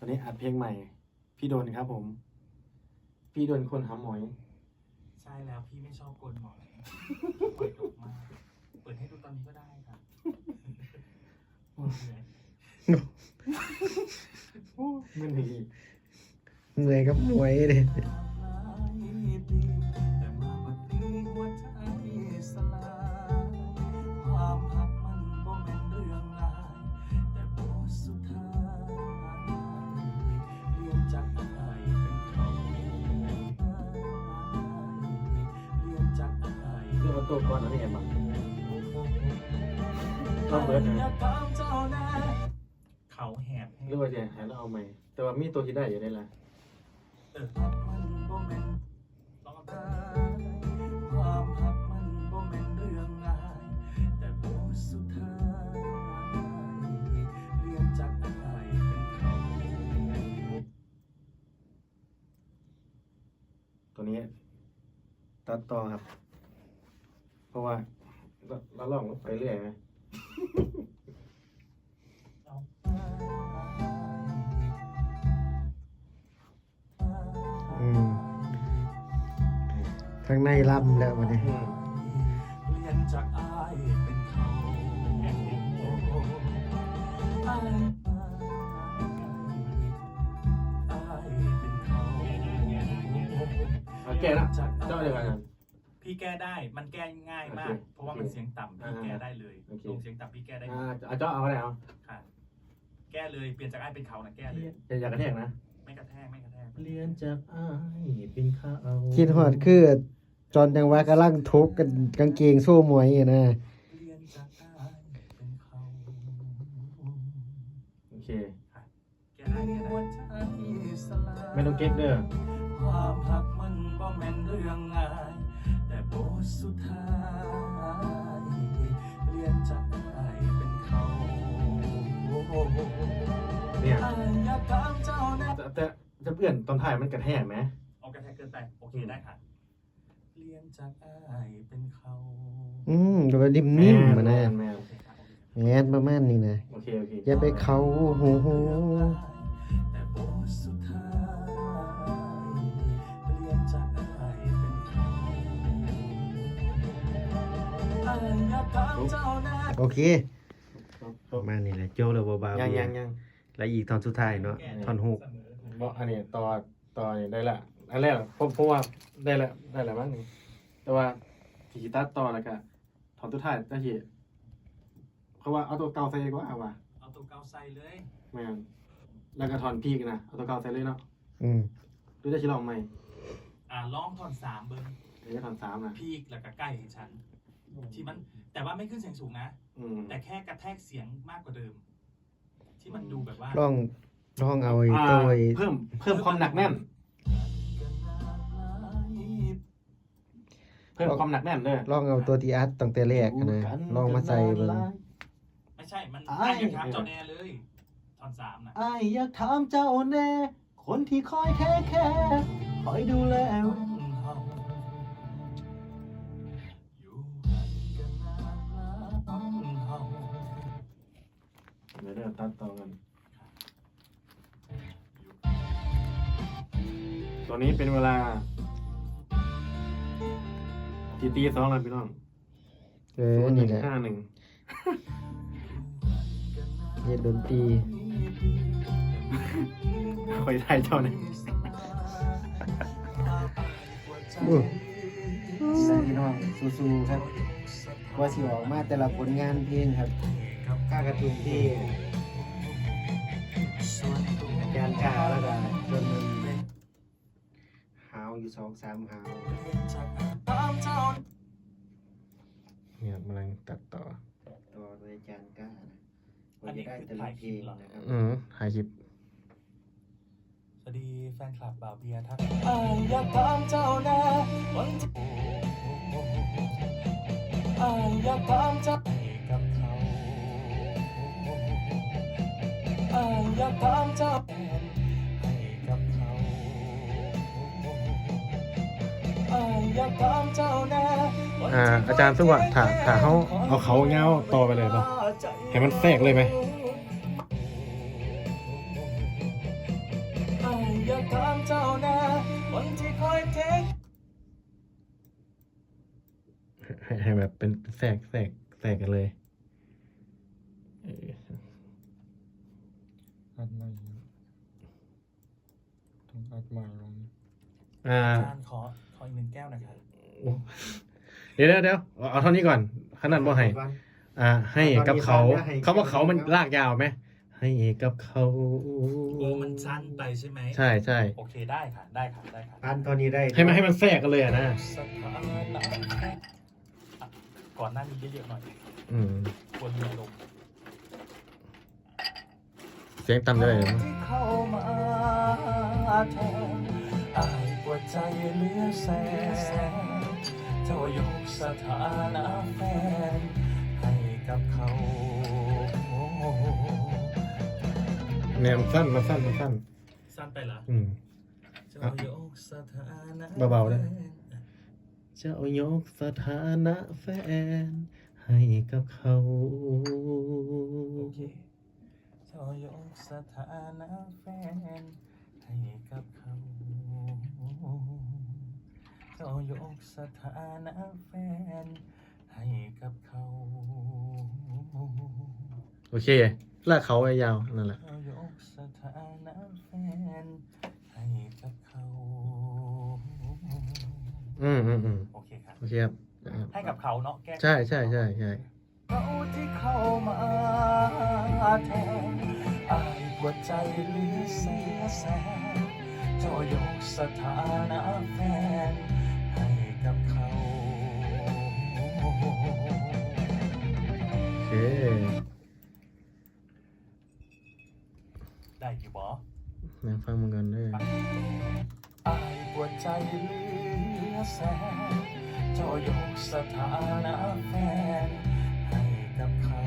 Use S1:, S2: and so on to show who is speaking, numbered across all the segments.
S1: วันนี้อัดเพลงใหม่ พี่โดนครับผม พี่โดนคนหาหมอย
S2: ใช่แล้วพี่ไม่ชอบโกนหมอยเปิดออกมาเปิดให้ดูตอนนี้ก็ได้ครับ
S1: ไม่มี
S3: เหนื่อยกับมวยเลย
S2: แต่มาบัดนี้หัวใจสลายความหักมันบ่แม่นเรื่องง่ายแต่บทสุดท้ายเรียนจากอายเป็นเขาเรียนจากอาย
S1: เรื่องเอาตัวก่อนนะพี่แอมต้องเบิร์ดนะ
S2: เขาแหบ
S1: เรื่องว่าจะหาแล้วเอาใหม่ แต่ว่ามีตัวที่ได้อยู่ได้ละ
S2: มันบ่แม่นต้องเอาความหักมันบ่แม่นเรื่องง่ายแต่บทสุดท้ายเรียนจากอายเป็นเขา
S1: ตัวนี้ตัดต่อครับ เพราะว่าเราลองไปเรื่อยไหม
S3: ข้างในล่ำแล้ววันนี้
S2: เรียนจากอายเป็นเขาอายเป็นเขา
S1: เอาแก้นะเจ้าเดียวกัน
S2: พี่แก้ได้ มันแก้ง่ายมาก เพราะว่ามันเสียงต่ำพี่แก้ได้เลยลงเสียงต่ำพี่แก้ได้
S1: เอาเจ้าเอาอะไรเอา
S2: ค่ะ แก้เลย เปลี่ยนจากไอ้เป็นเขานะแก้เลย
S1: อย่ากระแทกนะ
S2: ไม่กระแทก ไม่กระแทก
S1: เรียนจากอ้ายเป็นข้าว
S3: คิดหอดคือจอนจังหวะกำลังทุบกันกางเกงสู้มวยอยู่นะ
S2: เรียนจากอายเป็นเขา
S1: โอเค
S2: แก้ได้แก้ได้
S1: ไม่ต้องเก๊กเด้อ
S2: ความหักมันบ่แม่นเรื่องง่ายแต่บทสุดท้ายเรียนจากอายเป็นเขา
S1: เนี่ย
S2: อายอยากถามเจ้าแน่
S1: แต่จะเปลี่ยนตอนถ่ายมันกระแทกไหม
S2: เอากระแทกเกินไปโอเคได้ค่ะเรียนจากอายเป็นเขา
S3: ดูว่านิ่มๆมานะ
S1: แมน
S2: โอเคครับ
S3: แงนประมาณนี้นะ
S1: โอเค
S3: อย่าไปเขาหู
S2: แต่บทสุดท้ายเรียนจากอายเป็นเขาอายอยากถามเจ้าแน่
S3: โอเคประมาณนี้แหละโจแล้วเบาๆ
S1: ยัง
S3: แล้วอีกตอนสุดท้ายเนาะท่อนฮุก
S1: บอกอันนี้ต่อนี่ได้ละอันแรกผมว่าได้ละมั้งแต่ว่าที่ตัดต่อแล้วก็ถอนตัวถ่ายตะกี้เพราะว่าเอาตัวเก่าใส่ดีกว่าว่ะ
S2: เอาตัวเกาใส่เลย
S1: แม่นแล้วก็ถอนพีกนะเอาตัวเก่าใส่เลยเนาะ
S3: อืม
S1: หรือจะชิลองใหม่
S2: ลองท่อน3เบิ้ง
S1: หรือจะถอน3นะ
S2: พีกแล้วก็ใกล้ให้ฉันที่มันแต่ว่าไม่ขึ้นเสียงสูงนะ แต่แค่กระแทกเสียงมากกว่าเดิม ที่มันดูแบบว่า
S3: ลองเอาไอ้ตัวไอ้
S1: เพิ่มความหนักแน่น เพิ่มความหนักแน่นเลย
S3: ลองเอาตัวที่อัดตั้งแต่แรกอะนะลองมาใส่เบิ่ง
S2: ไม่ใช่มันอ้ายอยากถามเจ้าแน่เลยท่อน3นะ
S1: อ้ายอยากถามเจ้าแน่คนที่คอยแค่คอยดูแล
S2: อยู่กันกันนานเฮา
S1: เดี๋ยวตัดต่อกันตอนนี้เป็นเวลาตี2แล้วพี่น้อง
S3: นี่แหละ
S1: 0151
S3: เฮ็ดดนตรี
S1: คอยถ่ายเจ้าเนี่ย
S3: พี่น้องสู้ๆครับว่าสิออกมาแต่ละผลงานเพลงครับค่ากระตุ้นที่อาจารย์กาแล้วก็จนมันหาวอยู่2-3หาวเนี่ยกำลังตัดต่อโดยอาจารย์กานะ
S2: อันนี้คือถ่ายคลิปเหรอ
S3: ถ่ายคลิป
S2: สวัสดีแฟนคลับบ่าวเบียร์ทักอยากถามเจ้าแน่วันที่อยากถามเจ้ากับเขาอยากถามเจ้าให้กับเขาอยากถามเจ้าแน่
S1: อาจารย์ซึ่งว่าถ้าเขาเอาเขาเงาต่อไปเลยป่ะให้มันแทรกเลยไหม
S2: อยากถามเจ้านะคนที่คอยเทค
S1: ให้แบบเป็นแทรกกันเลยเออ
S4: อัดใหม่ต้องอัดใหม่ลง
S1: อ่า
S2: อาจารย์ขออีก1 แก้วนะครับ
S1: โอ้เดี๋ยวเอาเท่านี้ก่อนขนาดบ่ให้ให้กับเขาเขาว่าเขามันลากยาวไหมให้กับเขา
S2: โอ้มันสั้นไปใช่ไหม
S1: ใช่
S2: โอเคได้ค่ะได้ค่ะ
S3: อันตอนนี้ได้
S1: ให้มันแทรกกันเลยอะนะ
S2: สถานะก่อนหน้านี้เยอะๆหน่อย
S1: อืม
S2: ควรมีอารมณ์
S1: เสียงต่ำเลย
S2: ที่เข้ามาแทนอายปวดใจเหลือแสนเจ้ายกสถานะแฟนให้กับเขา
S1: เนี่ยมันสั้น
S2: สั้นไปเหรอ
S1: อืม
S2: เจ้ายกสถานะ
S1: เบาๆได้ เจ้ายกสถานะแฟนให้กับเขา
S2: โอเคเจ้ายกสถานะแฟนให้กับเขาเจ้ายกสถานะแฟนให้กับเขา
S1: โอเคลากเขาไปยาวนั่นแหละ
S2: เจ้ายกสถานะแฟนให้กับเขา
S1: อืม
S2: โอเคครับ
S1: โอเคครับ
S2: ให้กับเขาเนาะแก้
S1: ใช่
S2: เขาที่เข้ามาแทนอายปวดใจเหลือเสียแสนเจ้ายกสถานะแฟนให้กับเขา
S1: โอเค
S2: ได้อยู่บ่
S1: นั่งฟังมึงกันด้วย
S2: อายปวดใจเหลือแสนเจ้ายกสถานะแฟนให้กับเขา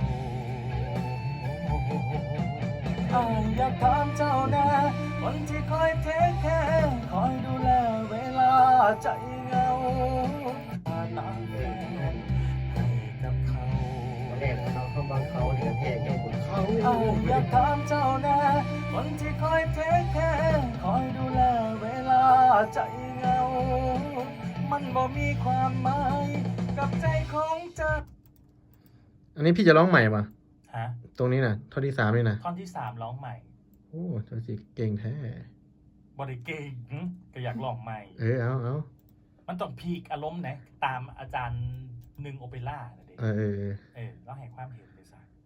S2: อายอยากถามเจ้านะคนที่คอยเทคแคร์คอยดูแลเวลาใจเหงาน้ำแฟนให้กับเขา
S3: แรกเขาบางเขาเหลือแทกให้บนเขา
S2: อายอยากถามเจ้านะคนที่คอยเทคแคร์คอยดูแลเวลาใจเหงามันบ่มีความหมายกับใจของเจ้า
S1: อันนี้พี่จะร้องใหม่ป่ะ
S2: ฮะ
S1: ตรงนี้น่ะท่อนที่ 3นี่นะ
S2: ท่อนที่ 3ร้องใหม่
S1: โอ้เจ้าสิเก่งแท้
S2: บริเก่งก็อยากลองใหม่
S1: เอา
S2: มันต้องพีกอารมณ์นะตามอาจารย์หนึ่งโอเปร่าน่ะเด็
S1: เออ
S2: แล้วให้ความเห็นเลยสัก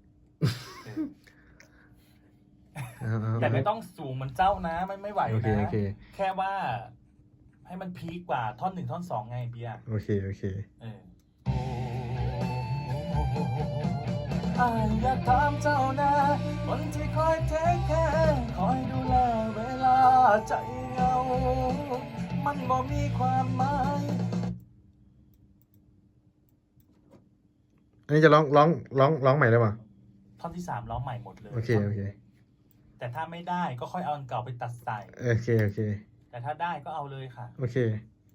S1: เอา
S2: แต่ไม่ต้องสูงเหมือนเจ้านะไม่ไหว
S1: โอเค
S2: นะแค่ว่า ให้มันพีกกว่าท่อน 1 ท่อน 2ไงเบียร์
S1: โอเค
S2: อายอยากถามเจ้านะคนที่คอยเทคแคร์คอยดูแลเวลาใจเหงามันบ่มีความหมาย
S1: อันนี้จะร้องใหม่ได้ป่ะ
S2: ท่อนที่ 3ร้องใหม่หมดเลย
S1: โอเค
S2: แต่ถ้าไม่ได้ก็ค่อยเอาอันเก่าไปตัดใส่
S1: โอเค
S2: แต่ถ้าได้ก็เอาเลยค่ะ
S1: โอเค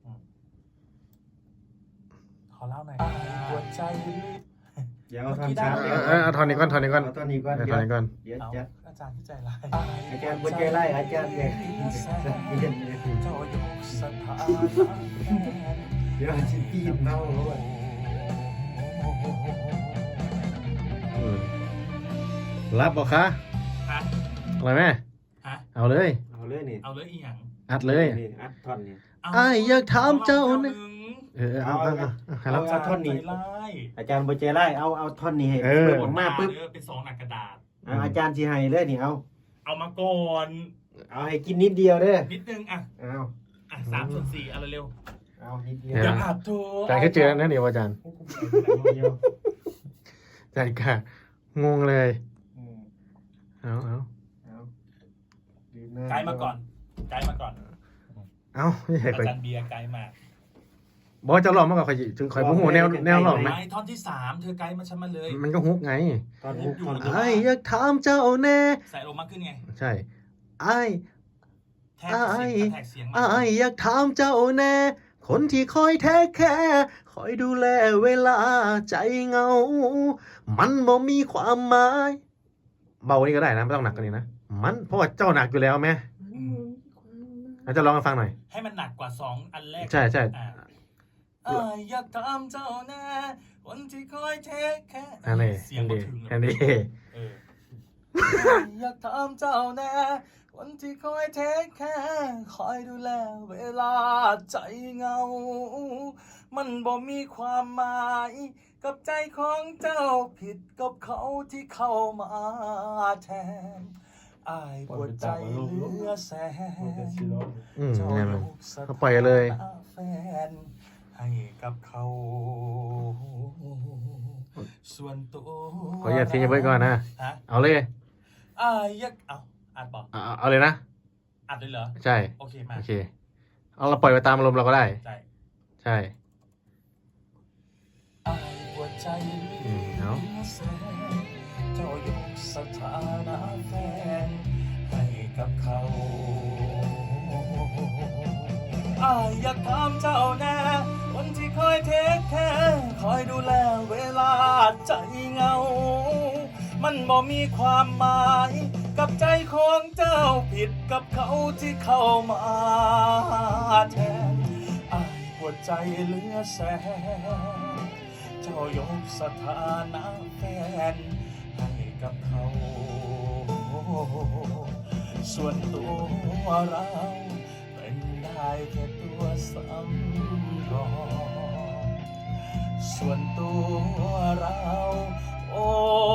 S2: ขอเล่าหน่อยปวดใจ
S3: เดี๋ยวเอาท่อนช้า
S1: เอาท่อนนี้ก่อน
S3: เอาท่อนนี้ก่อน
S1: เอาท่อนนี้ก่อน
S3: เดี๋ยว
S2: เอา
S3: จะ
S2: อาจารย์ที่ใจร้าย
S3: อาจารย์บนใจไล่อาจารย์เนี่ยเ
S2: เจ้ายกสถานะ
S3: เดี๋ยวชิปีนเมาเขาก่อน
S1: รับบอกคะ
S2: ฮะ
S1: อะไรไหม
S2: ฮะ
S1: เอาเลย
S3: เอาเลยนี่
S2: เอาเลยอีหยัง
S1: อัดเลย
S3: นี่อัดท่อนนี่
S1: อ้ายอยากถามเจ้า
S2: ห
S1: เนี่
S2: นึ่
S1: ย
S2: ง
S1: เอาให้รับ
S3: เอาท่อนนี้
S2: ใจร้าย
S3: อาจารย์บนใจไล่เอาท่อนนี้ให้
S1: เออ
S3: เปิดออกมาปุ๊บ
S2: เป็น2 หนักกระดาษ
S3: อาจารย์สิให้เลยนี่เอา
S2: เอามาก่อน
S3: เอาให้กินนิดเดียวเด้อ
S2: นิดนึงอ่ะ
S3: เอา
S2: 3/4เอาเร็ว
S3: เอานิดเดียว
S2: ๆอย่าอัดโถ
S1: ใจแค่เจอนั่นเดียวอาจารย์ใจกะงงเลย เอา
S2: ไกด์มาก่อนไกด์มาก่อน
S1: ไม่ใช่
S2: อา
S1: คอย
S2: จารย์เบียร์ไกด์มา
S1: บอกว่าจะหลอกมากกว่าคอยจึงคอยผู้หัวแนวหลอกไหม
S2: ไม่ท่อนที่ 3เธอไกด์มาฉันมาเลย
S1: มันก็ฮุกไง
S3: ตอนฮุกท่อน
S1: อ้ายอยากถามเจ้าแน่
S2: ใส่ลงมากขึ้นไง
S1: ใช่อ้าย
S2: แทกเสียงแทกเสียงมา
S1: อ้ายอยากถามเจ้าแน่ คนที่คอยแท้แค่คอยดูแลเวลาใจเหงา มันบ่มีความหมาย เบานี้ก็ได้นะไม่ต้องหนักกว่านี้นะ มันเพราะว่าเจ้าหนักอยู่แล้วแม่
S3: ค
S1: อาจจะลองให้ฟังหน่อย
S2: ให้มันหนักกว่าสองอันแรก
S1: ใช่ใช่
S2: อยากถามเจ้าแน่คนที่คอยเทคแค่
S1: อันนี้
S2: เสียงบ่ถึง
S1: อันนี้
S2: เอออยากถามเจ้าแน่คนที่คอยเทคแค่คอยดูแลเวลาใจเหงา มันบ่มีความหมายกับใจของเจ้าผิดกับเขาที่เข้ามาแทนอายปวดใจเหลือแสน
S1: อืม
S2: เจ้า
S1: เนี่ย
S2: ย
S1: มัน
S2: กส
S1: เขาปล่อยเลย
S2: ถานะแฟนให้กับเขา ส่วนตัว
S1: ขออย่าทิ้งไว้ก่อนนะ
S2: ฮะ
S1: เอาเลย
S2: อายยักเอาอัดบอก
S1: เอาเลยนะ
S2: อัดเลยเหรอ
S1: ใช่
S2: โอเคมา
S1: โอเค เอาเราปล่อยไปตามอารมณ์เราก็ได้
S2: ใช่
S1: ใช่
S2: อายปวดใจเห
S1: อืมเอา
S2: ลือแสนเจ้ายกสถานะแฟนให้กับเขา อายอยากถามเจ้าแน่คนที่คอยเทคแค่คอยดูแลเวลาใจเหงา มันบ่มีความหมายกับใจของเจ้าผิดกับเขาที่เข้ามาแทนอายปวดใจเหลือแสนเจ้ายกสถานะแฟนให้กับเขา ส่วนตัวเราเป็นได้แค่ตัวสำรองส่วนตัวเราโอ้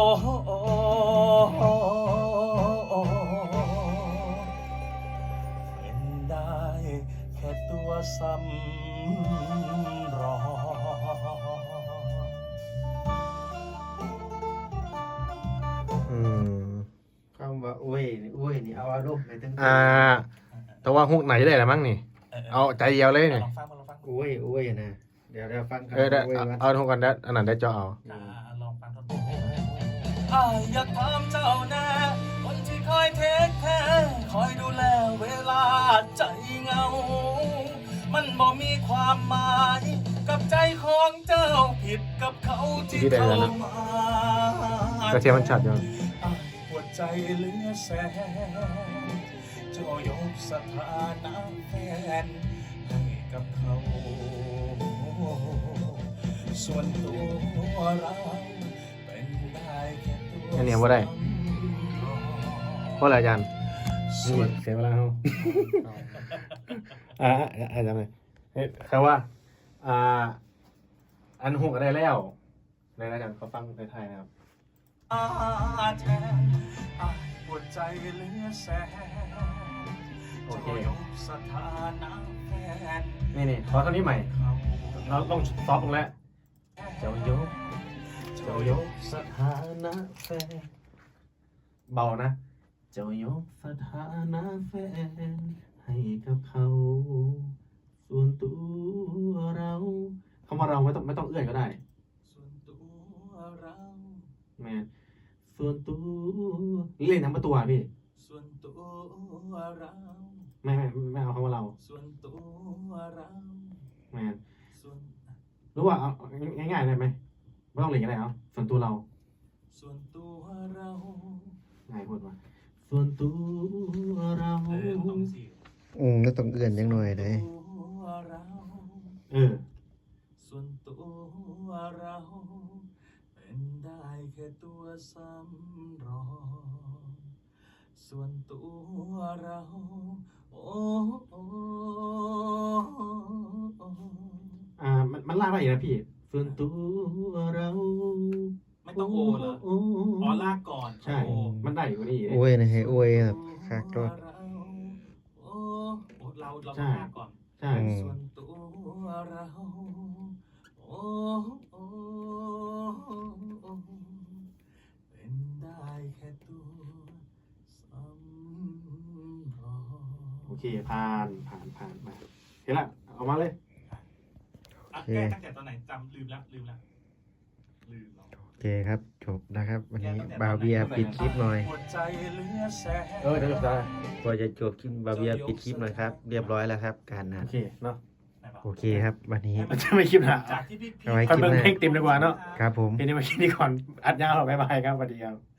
S2: เป็นได้แค่ตัวสำรอง
S1: อืม
S3: คำว่าโอ้ยนี่เอาอารมณ์ไปทั้ง
S1: แต่ว่าฮุกไหนได้ละมั้งนี่ เอาใจเดียวเลยนี่
S2: ลองฟังมาลองฟัง
S3: โอ้ยนะเดี๋ยวฟังกัน
S1: ได้
S3: โอ้ยวัน
S1: เอาฮุกกันได้อันนั้นได้จอเอา
S2: ลองฟังท่อนบนอยากถามเจ้าแน่คนที่คอยเทคแค่คอยดูแลเวลาใจเหงา มันบ่มีความหมายกับใจของเจ้าผิดกับเขาที่เข้ามา
S1: กระเทียมมันชัดอยู่
S2: ปวดใจเหลือแสนเจ้ายกสถานะแฟนให้กับเขา ส่วนตัวเราเป็นได้แค่ตัว
S1: อันนี้ว่าได้
S2: สำรอง
S1: เพราะอะไรอาจารย์
S2: ส่
S1: นี่
S2: วน
S1: เสียเวลาเขาอาจารย์เลยคือว่า อันฮุกก็ได้แล้วในอาจารย์เขาฟังในไทยนะครับ
S2: แทนอายปวดใจเหลือแสน
S1: โอเค
S2: เจ้ายกสถานะแฟน
S1: นี่ขอเท่านี้ใหม่
S2: เขา
S1: เราต้องซอฟต์ลงแล้ว เจ้ายก เจ้ายกสถานะแฟนเบานะ เจ้ายกสถานะแฟนให้กับเขา ส่วนตัวเราคำว่าเราไม่ต้องเอื้อนก็ได้
S2: ส่วนตัวเรา
S1: แม่ส่วนตัวเล่นทั้งประตูอะพี่
S2: ส่วนตัวเรา
S1: ไม่เอาคำว่าเรา
S2: ส่วนตัวเรา
S1: แม่
S2: ส่วน
S1: รู้ว่าเอาง่ายๆได้ไหมไม่ต้องเล่นก็ได้เอาส่วนตัวเรา
S2: ส่วนตัวเรา
S1: ง่ายพูดว่าส่วนตัวเรา
S2: ต้องสิ
S3: แล้วต้องเอื่อนยังหน่อยเลย
S2: ตัวเรา ส่วนตัวเราเป็นได้แค่ตัวสำรอง ส่วนตัวเราโอ้
S1: มันลากได้อีกนะพี่ ส่วนตัวเรา
S2: ไม่ต้องโอเหรออ๋อลากก่อน
S1: ใช่
S2: โอ
S1: มันได้อยู่นี่
S3: โอ้ยนะให้โอ้ยแบบคักด้วย
S2: โอ้เราต้อง
S1: ใช่
S2: ลากก่อน
S1: ใช่
S2: ส่วนตัวเราโอ้เป็นได้แค่ตัวสำรอง
S1: โอเคผ่านมาเห็นละเอามาเลย
S2: อ่ะแก้ตั้งแต่ตอนไหนจำลืมแล้วลืมแล้ว
S3: โอเคครับจบนะครับ วันนี้บาเบียปิดคลิปหน่อย
S2: หัวใจเหลือแสน
S1: เดี๋ยวได้
S3: กว่าจะจบคลิปบาเบียปิดคลิปหน่อยครับ เรียบร้อยแล้วครับ การนั
S1: โอ
S3: ด
S1: เคเนาะ
S3: โอเคครับ วันนี้
S1: มันจะไม่คลิปนะ
S2: จากที่พี่
S3: เอาไว้
S1: คอนเบิร์เพลงเต็มดีกว่าเนาะ
S3: ครับผม
S1: ทีนี้มาคิดดีก่อนอัดยาวหรอบ๊ายบายครับสวัสดีครับ